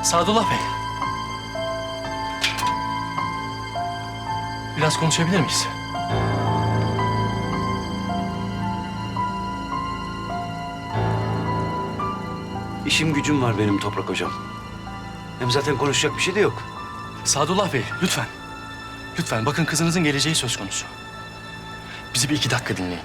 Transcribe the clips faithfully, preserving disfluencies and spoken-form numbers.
Sadullah Bey. Biraz konuşabilir miyiz? İşim gücüm var benim Toprak Hocam. Hem zaten konuşacak bir şey de yok. Sadullah Bey, lütfen. Lütfen, bakın kızınızın geleceği söz konusu. Bizi bir iki dakika dinleyin.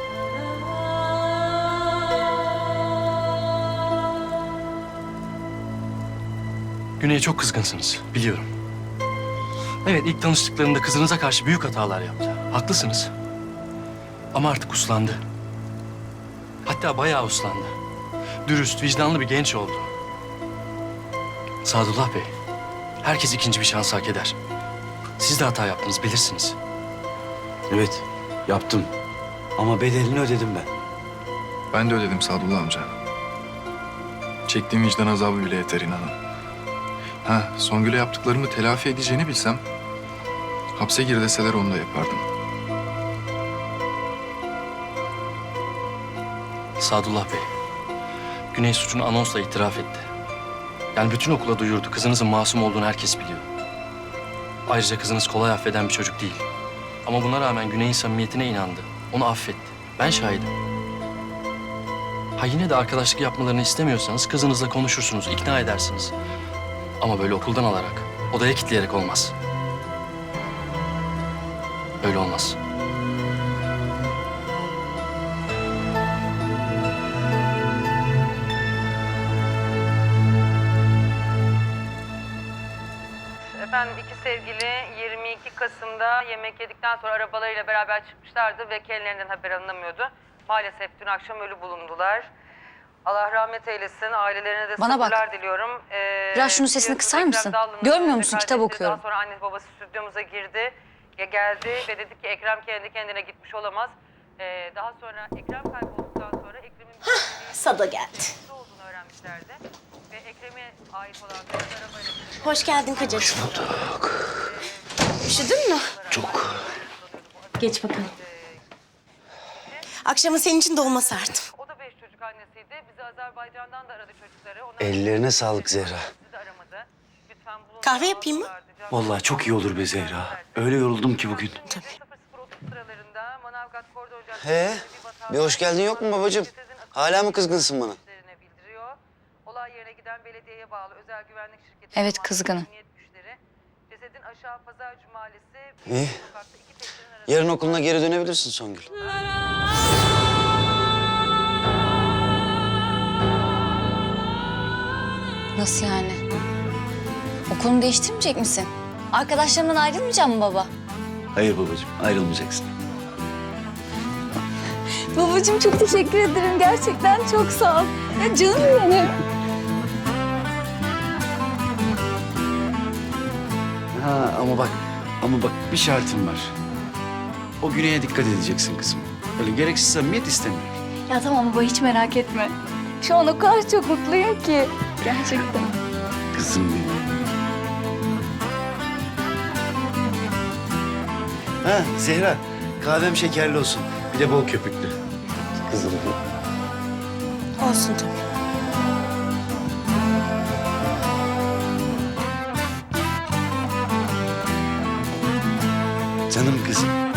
Güney'e çok kızgınsınız, biliyorum. Evet, ilk tanıştıklarında kızınıza karşı büyük hatalar yaptı. Haklısınız. Ama artık uslandı. Hatta bayağı uslandı. Dürüst, vicdanlı bir genç oldu. Sadullah Bey, herkes ikinci bir şans hak eder. Siz de hata yaptınız, bilirsiniz. Evet, yaptım. Ama bedelini ödedim ben. Ben de ödedim Sadullah amca. Çektiğim vicdan azabı bile yeter inanın. Ha, Songül'e yaptıklarımı telafi edeceğini bilsem... hapse gir deseler onu da yapardım. Sadullah Bey, Güney suçunu anonsla itiraf etti. Yani bütün okula duyurdu. Kızınızın masum olduğunu herkes biliyor. Ayrıca kızınız kolay affeden bir çocuk değil. Ama buna rağmen Güney'in samimiyetine inandı. Onu affetti. Ben şahidim. Ha yine de arkadaşlık yapmalarını istemiyorsanız kızınızla konuşursunuz, ikna edersiniz. Ama böyle okuldan alarak, odaya kilitleyerek olmaz. Öyle olmaz. Efendim iki sevgili yirmi iki Kasım'da yemek yedikten sonra arabalarıyla beraber çıkmışlardı ve kendilerinden haber alınamıyordu. Maalesef dün akşam ölü bulundular. Allah rahmet eylesin. Ailelerine de Bana bak. sabırlar diliyorum. Ee, Biraz şunun sesini kısar mısın? Görmüyor musun? Kitap okuyorum. Daha sonra annesi babası stüdyomuza girdi. Ya geldi ve dedi ki Ekrem kendi kendine gitmiş olamaz. Ee, daha sonra Ekrem kaybolduktan sonra Ekrem'in Sada geldi. olduğunu öğrenmişlerdi. Ve Ekrem'e ait olan bir arabayla... Hoş geldin kocacığım. Hoş bulduk. Üşüdün mü? Çok. Geç bakalım. Akşama senin için dolma sardım. O da beş çocuk annesiydi. Bizi Azerbaycan'dan da aradı çocukları. Onlar Ellerine sağlık Zehra. bizi de aramadı. Lütfen bulun. Kahve yapayım mı? Vallahi çok iyi olur be Zehra. Öyle yoruldum ki bugün. Tabii. sıralarında Manavgat Koridor He, Caddesi'nde bir hoş geldin yok mu babacığım? Hala mı kızgınsın bana? bildiriyor. Olay yerine giden belediyeye bağlı özel güvenlik şirketi. Evet, kızgınım. Emniyet güçleri, Cesedin aşağı Pazarcı Mahallesi. İyi. Sokakta iki teknenin arasında- Yarın okuluna geri dönebilirsin Songül. Nasıl yani? Okulunu değiştirmeyecek misin? Arkadaşlarımdan ayrılmayacak mı baba? Hayır babacığım, ayrılmayacaksın. Babacığım çok teşekkür ederim. Gerçekten çok sağ ol. Ya canım benim. Ha ama bak, ama bak bir şartım var. O Güney'e dikkat edeceksin kızım. Öyle gereksiz samimiyet istemiyorum. Ya tamam baba hiç merak etme. Şu an o kadar çok mutluyum ki. Gerçekten. Kızım benim. Ha Zehra, kahvem şekerli olsun. Bir de bol köpüklü. Kızım benim. Olsun tabii. Canım kızım.